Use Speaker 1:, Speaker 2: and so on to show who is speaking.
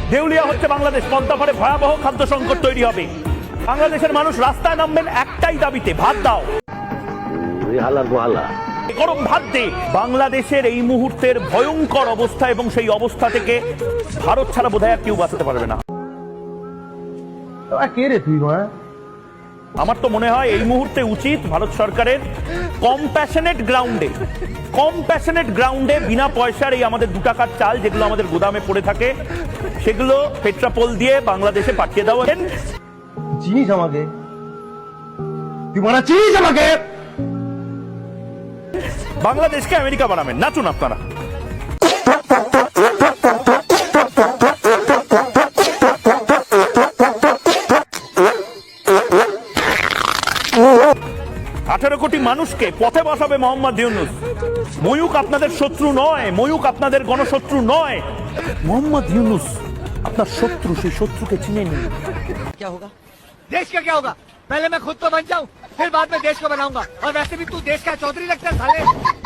Speaker 1: দেউলিয়া হচ্ছে বাংলাদেশ, পদ্মাপাড়ে ভয়াবহ খাদ্য সংকট তৈরি হবে। বাংলাদেশের মানুষ রাস্তায় নামবেন একটাই দাবিতে, ভাত দাও, গরম ভাত দে। বাংলাদেশের এই মুহূর্তের ভয়ঙ্কর অবস্থা, এবং সেই অবস্থা থেকে ভারত ছাড়া বোধহয় আর কেউ বাঁচাতে পারবে না। আমার তো মনে হয় এই মুহূর্তে উচিত ভারত সরকারের কম্প্যাশনেট গ্রাউন্ডে বিনা পয়সার এই আমাদের 2 টাকার চাল যেগুলো আমাদের গোদামে পড়ে থাকে সেগুলো পেট্রাপোল দিয়ে বাংলাদেশে পাঠিয়ে দেওয়া।
Speaker 2: চিনিস আমাকে, তুই মারা চিনিস আমাকে।
Speaker 1: বাংলাদেশকে আমেরিকা বানাবেন, নাচুন আপনারা। আঠারো কোটি মানুষকে পথে বসাবে মোহাম্মদ ইউনূস। ময়ূক আপনাদের শত্রু নয়, ময়ূক আপনাদের গণশত্রু নয়। মোহাম্মদ ইউনূস আপনার শত্রু, সেই শত্রুকে চিনে নিন।
Speaker 3: क्या होगा देश का, क्या होगा? पहले मैं खुद तो बन जाऊं, फिर बाद में देश को बनाऊंगा। और वैसे भी तू देश का चौधरी लगता है साले।